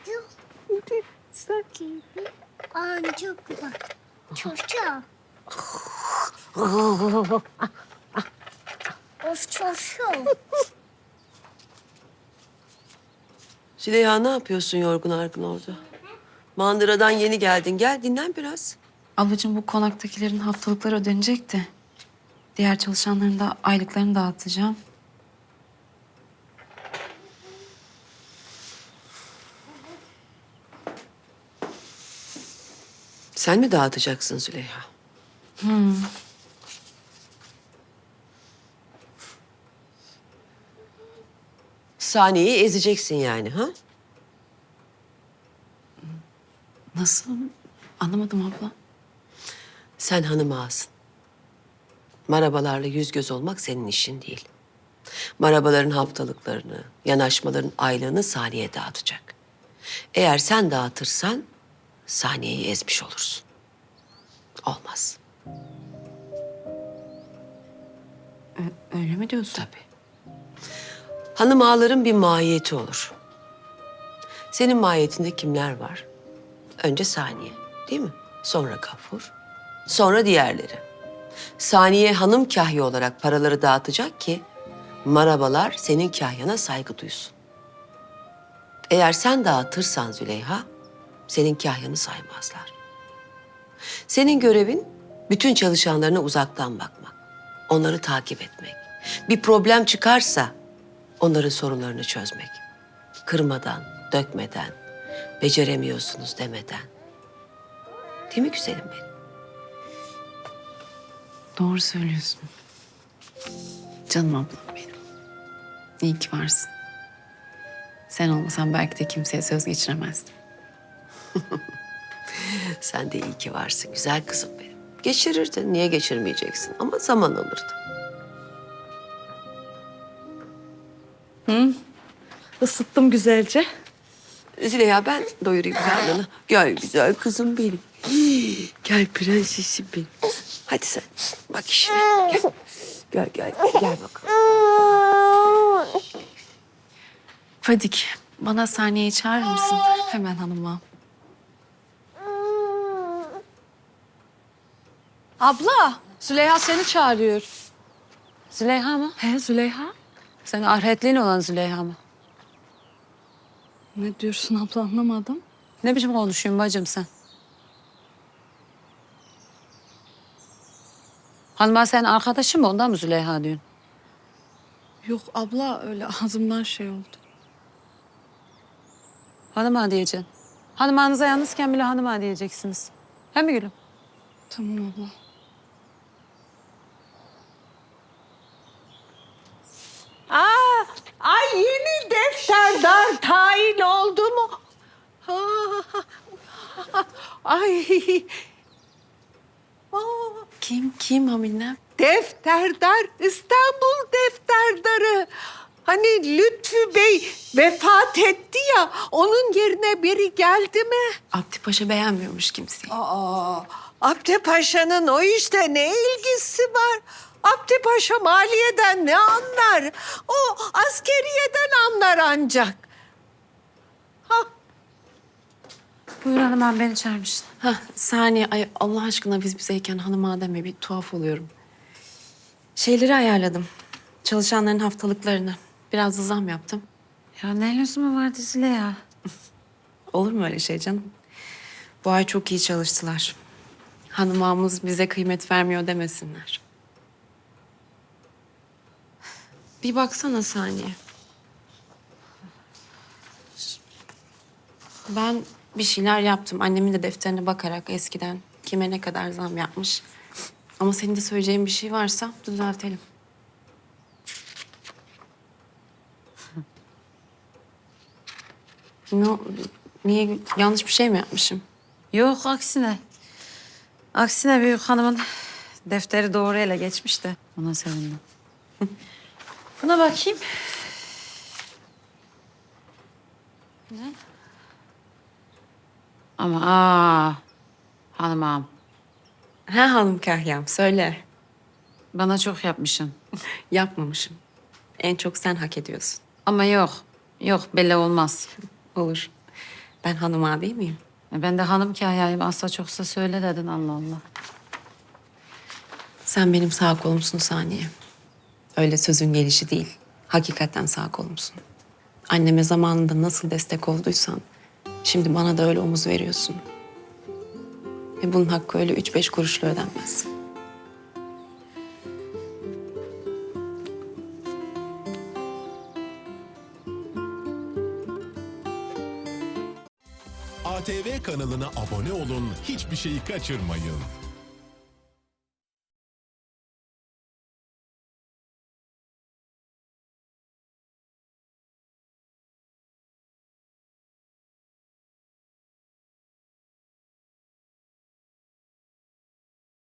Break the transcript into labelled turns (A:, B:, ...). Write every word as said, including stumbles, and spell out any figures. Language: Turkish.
A: Sakin.
B: Aa, çok güzel. Çoşa. Of çoşa.
C: Züleyha ne yapıyorsun yorgun argın orada? Mandıradan yeni geldin. Gel dinlen biraz.
A: Ablacığım bu konaktakilerin haftalıkları ödenecek de. Diğer çalışanların da aylıklarını dağıtacağım.
C: Sen mi dağıtacaksın Züleyha?
A: Hmm.
C: Saniyeyi ezeceksin yani ha?
A: Nasıl? Anlamadım abla.
C: Sen hanım ağasın. Marabalarla yüz göz olmak senin işin değil. Marabaların haftalıklarını, yanaşmaların aylığını Saniye dağıtacak. Eğer sen dağıtırsan Saniye'yi ezmiş olursun. Olmaz.
A: Ö- öyle mi diyorsun?
C: Tabii. Hanım ağaların bir mahiyeti olur. Senin mahiyetinde kimler var? Önce Saniye, değil mi? Sonra Gafur, sonra diğerleri. Saniye hanım kahya olarak paraları dağıtacak ki marabalar senin kahyana saygı duysun. Eğer sen dağıtırsan Züleyha, senin kahyanı saymazlar. Senin görevin bütün çalışanlarına uzaktan bakmak, onları takip etmek. Bir problem çıkarsa onların sorunlarını çözmek. Kırmadan, dökmeden, beceremiyorsunuz demeden. Değil mi güzelim benim?
A: Doğru söylüyorsun. Canım ablam benim. İyi ki varsın. Sen olmasan belki de kimseye söz geçiremezdim.
C: Sen de iyi ki varsın güzel kızım benim. Geçirirdin, niye geçirmeyeceksin? Ama zaman alırdı.
D: Isıttım güzelce.
C: Züleyha ben doyurayım karnını. Gel güzel kızım benim. Gel prensesim benim. Hadi sen bak işine. Gel. Gel gel gel bakalım.
A: Fadik, bana Saniye'yi çağırır mısın? Hemen hanıma.
D: Abla, Züleyha seni çağırıyor.
E: Züleyha mı?
D: He Züleyha?
E: Sen ahiretliğin olan Züleyha mı?
D: Ne diyorsun abla anlamadım.
E: Ne biçim konuşuyorsun bacım sen? Hanıma senin arkadaşın mı? Ondan mı Züleyha diyorsun?
D: Yok abla öyle ağzımdan şey oldu.
E: Hanıma diyeceksin. Hanımanıza yalnızken bile hanıma diyeceksiniz. He mi gülüm?
D: Tamam abla.
F: Aa, ay yeni defterdar tayin oldu mu? Ah, ay, aa,
A: Kim, kim Haminem?
F: defterdar, İstanbul defterdarı. Hani Lütfü Bey vefat etti ya, onun yerine biri geldi mi?
A: Abdi Paşa beğenmiyormuş kimseyi.
F: Aa, Abdi Paşa'nın o işte ne ilgisi var? Abdi Paşa maliyeden ne anlar? O askeriyeden anlar ancak. Ha,
A: Buyur hanımam, beni çağırmışsın. Hah, Saniye, ay Allah aşkına biz bizeyken hanıma deme, bir tuhaf oluyorum. Şeyleri ayarladım. Çalışanların haftalıklarını. Biraz da zam yaptım.
E: Ya ne lüzumu vardı Züleyha?
A: Olur mu öyle şey canım? Bu ay çok iyi çalıştılar. Hanım ağamız bize kıymet vermiyor demesinler. Bir baksana Saniye. Ben bir şeyler yaptım. Annemin de defterine bakarak eskiden kime ne kadar zam yapmış. Ama senin de söyleyeceğin bir şey varsa düzeltelim. Ne, niye, yanlış bir şey mi yapmışım?
E: Yok aksine. Aksine büyük hanımın defteri doğru ele geçmiş de ona sevindim. Buna bakayım. Ne? Ama aa hanım ağam,
A: Ha hanım kahyam, söyle.
E: bana çok yapmışsın.
A: Yapmamışım. En çok sen hak ediyorsun.
E: Ama yok, yok belli olmaz.
A: Olur. Ben hanım ağa değil miyim?
E: E ben de hanım kahyayım. Asla çoksa söyle dedin Allah Allah.
A: Sen benim sağ kolumsun Saniye. Öyle sözün gelişi değil. Hakikaten sağ kolumsun. Anneme zamanında nasıl destek olduysan... ...şimdi bana da öyle omuz veriyorsun. Ve bunun hakkı öyle üç beş kuruşla ödenmez.
G: A T V kanalına abone olun, hiçbir şeyi kaçırmayın.